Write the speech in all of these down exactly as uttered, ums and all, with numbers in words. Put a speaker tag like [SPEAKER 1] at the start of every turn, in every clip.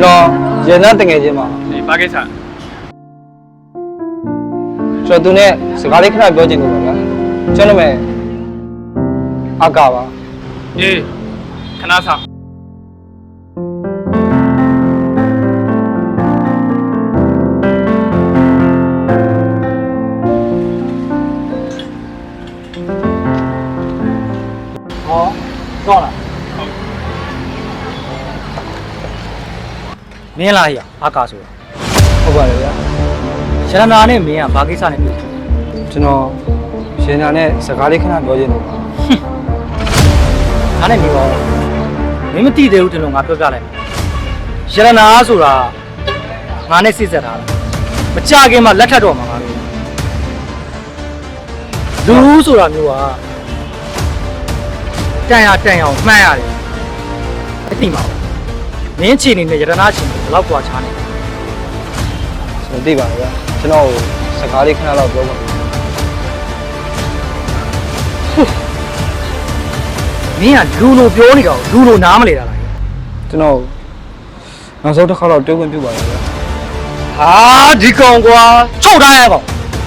[SPEAKER 1] တော်ရန်သားတငယ်ချင်းပါ
[SPEAKER 2] ဒီဘာကိစ္စ
[SPEAKER 1] ကျွန်တော်သူနဲ့စကားလေးခဏပြောချင်လို့ပါဗျာကျွန်တော်မဲ့အကာပါ
[SPEAKER 2] အေးခဏဆောင်
[SPEAKER 1] ဟောတော့လား
[SPEAKER 3] မင်းလားရအာကာဆိုတာ
[SPEAKER 1] ဟုတ်ပါတယ်ဗျာ
[SPEAKER 3] ရတနာနဲ့မင်းကဘာကိစ္စနဲ့တွေ့
[SPEAKER 1] ကျွန်တော်ရှင်နာနဲ့စကားလေးခဏပြောချင်လို့ပါ
[SPEAKER 3] ဒါနဲ့နေပါဦးမင်းမသိသေးဘူးတင်လို့ငါပြောပြလိုက်ရတနာဆိုတာငါနဲ့စိတ်ဆက်ထားတာမကြခင်မှာလက်ထပ်တော့မှာငါတို့လူဆိုတာမျိုးကတန်ရတန်ရအောင်မှန်းရတယ်အသိမှာမင်းချီနေတဲ့ရတနာချီနေဘယ်လောက်กว่าချားနေ
[SPEAKER 1] ကျွန်တော်သိပါတယ်ဗျာကျွန်တော်စကားလေးခဏတော့ပြောပါမယ်
[SPEAKER 3] မင်းကလူလိုပြောနေတော့လူလိုနားမလဲတာလား
[SPEAKER 1] ကျွန်တော်နောက်ဆုံးတစ်ခါတော့တွေ့ခွင့်ပြုပါလားဗျာ
[SPEAKER 3] ဟာဒီကောင်ကွာချုပ်ထားရကောင်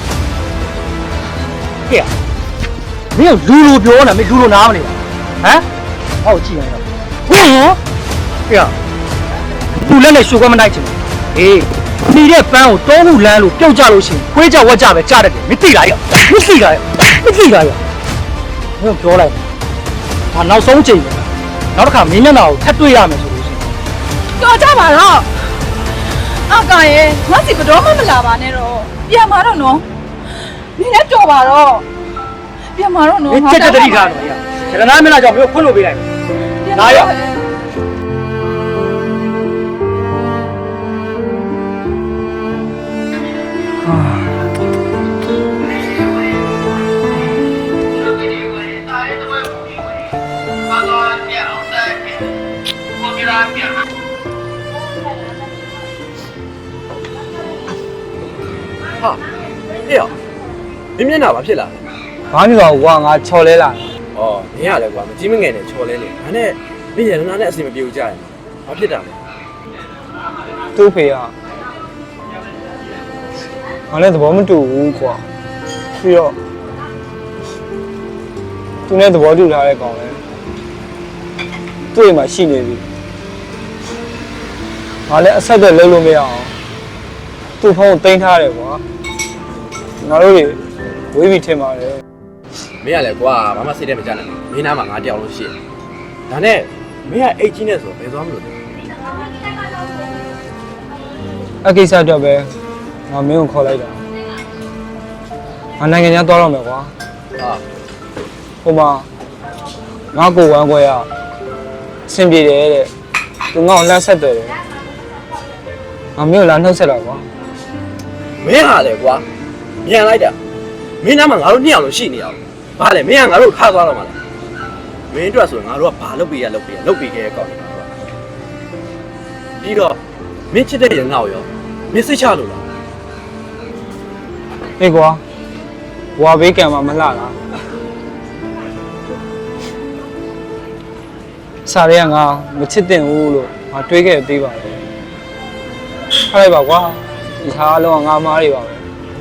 [SPEAKER 3] ဟဲ့မင်းကလူလိုပြောနေမင်းလူလိုနားမလဲဟမ်ဟောကြည့်နေတော့ဟင်ဟဲ့လူလက်နဲ့ရှုပ်ခွဲမနိုင်ချင်ဘူးဟေးနေတဲ့ပန်းကိုတောခုလမ်းလို့ပြုတ်ကြလို့ရှိရင်ခွေးကြဝက်ကြပဲကြားတတ်တယ်မသိလားရမသိလားရမသိလားရမင်းပြောလိုက်ဒါနောက်ဆုံးချိန်ပဲနောက်တစ်ခါမင်းမျက်နှာကိုထပ်တွေ့ရမယ်ဆိုလို့ရှိရင်
[SPEAKER 4] တော်ကြပါတော့အကောင်ရဲ့ငါစီဘတော်မှမလာပါနဲ့တော့ပြန်มาတော့နော်နင်းလည်းတော်ပါတော့ပြန်มาတော့နော်
[SPEAKER 3] မင်းချက်တတိထားတော့ရရတနာမျက်နှာကြောင့်မင်းခွင့်လို့ပေးလိုက်မယ်လာရ
[SPEAKER 2] ဟာအေးရောမင်းမျက်နှာဘာဖြစ်လာလဲ
[SPEAKER 1] ဘာမှမဟုတ်ကွာငါချော်လဲလာ
[SPEAKER 2] ဩမင်းရလဲကွာမကြီးမငယ်နဲ့ချော်လဲနေဒါနဲ့မင်းရတနာနဲ့အစီမပြေဘူးကြရဘာဖြစ်တာလဲ
[SPEAKER 1] သူ့ဖေကငါလည်းသဘောမတူဘူးကွာပြီးတော့သူနဲ့သဘောတူထားတဲ့ကောင်လဲသူ့အိမ်မှာရှိနေပြီငါလည်းအဆက်အသွယ်လုပ်လို့မရအောင်သူ့ဖုန်းကိုတင်ထားတယ်ကွာငါတို့တွေဝေးပြီးထင်ပါတယ်
[SPEAKER 2] မင်းရလဲကွာဘာမှစိတ်ထဲမကြနိုင်ဘူးမင်းနားမှာငါတယောက်လို့ရှိတယ်ဒါနဲ့မင်းကအိတ်ကြီးနဲ့ဆိုဘယ်သွားမလို့လဲ
[SPEAKER 1] အကိစ္စတော့ပဲငါမင်းကိုခေါ်လိုက်တာငါနိုင်ငံခြားသွားတော့မယ်ကွာ
[SPEAKER 2] ဟာ
[SPEAKER 1] ဟိုမှာငါကိုဝမ်းခွဲရအဆင်ပြေတယ်တဲ့သူငါ့ကိုလှမ်းဆက်တယ်ငါမင်းကိုလာနှုတ်ဆက်တာကွာ
[SPEAKER 2] မင်းဟာလေကွာမြန်လိုက်တာမင်းနားမှာငါတို့နှစ်ယောက်လို့ရှိနေအောင်ဘာလဲမင်းကငါတို့ထားသွားတော့မှာလားမင်းအတွက်ဆိုငါတို့ကဘာလုပ်ပေးရလုပ်ပေးရလုပ်ပေးခဲ့ကောင်းတယ်ပြီးတော့မင်းချစ်တဲ့ရငါ့ကိုရောမင်းစိတ်ချလို့လား
[SPEAKER 1] ဟေးကွာဝါဘေးကံမှာမလှလားစားရဲငါမချစ်တင်ဘူးလို့ငါတွေးခဲ့သေးပါတယ်ထားလိုက်ပါကွာဒီဟာအလုံးကငါမားတွေပါပဲ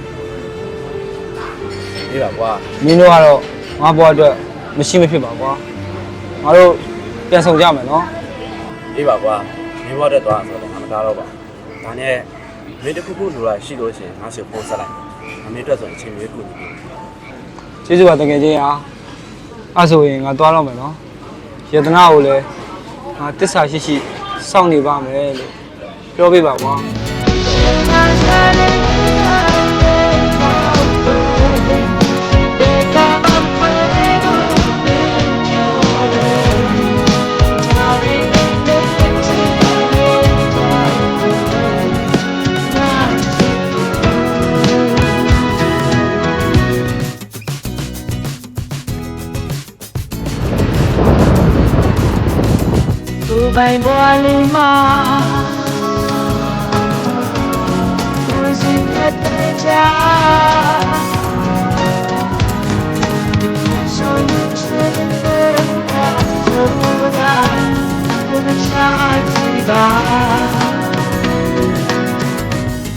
[SPEAKER 2] ဒီပါကွာ
[SPEAKER 1] မင်းတို့ကတော့ငါဘွားအတွက်မရှိမဖြစ်ပါကွာငါတို့ပြန်ဆောင်ကြမယ်နော်
[SPEAKER 2] ဒီပါကွာမင်းဘွားတက်သွားဆိုတော့ငါမသားတော့ပါဒါနဲ့မင်းတခုခုလိုလာရှိလို့ရှိရင်ငါစီကိုပို့ဆက်လိုက်မင်းအတွက်ဆိုရင်အချိန်လေးခုနေ
[SPEAKER 1] ကျေးဇူးပါတကယ်ချင်းအားအဲ့ဆိုရင်ငါသွားတော့မယ်နော်ယတနာကိုလည်းငါတစ္ဆာရှိရှိစောင့်နေပါမယ်လို့ပြောပြပါကွာ
[SPEAKER 5] ဘိုင်ဘွားလေးမှာသူစီတဲ့ချာဆိုရင်စတဲ့ဆိုရင် Child,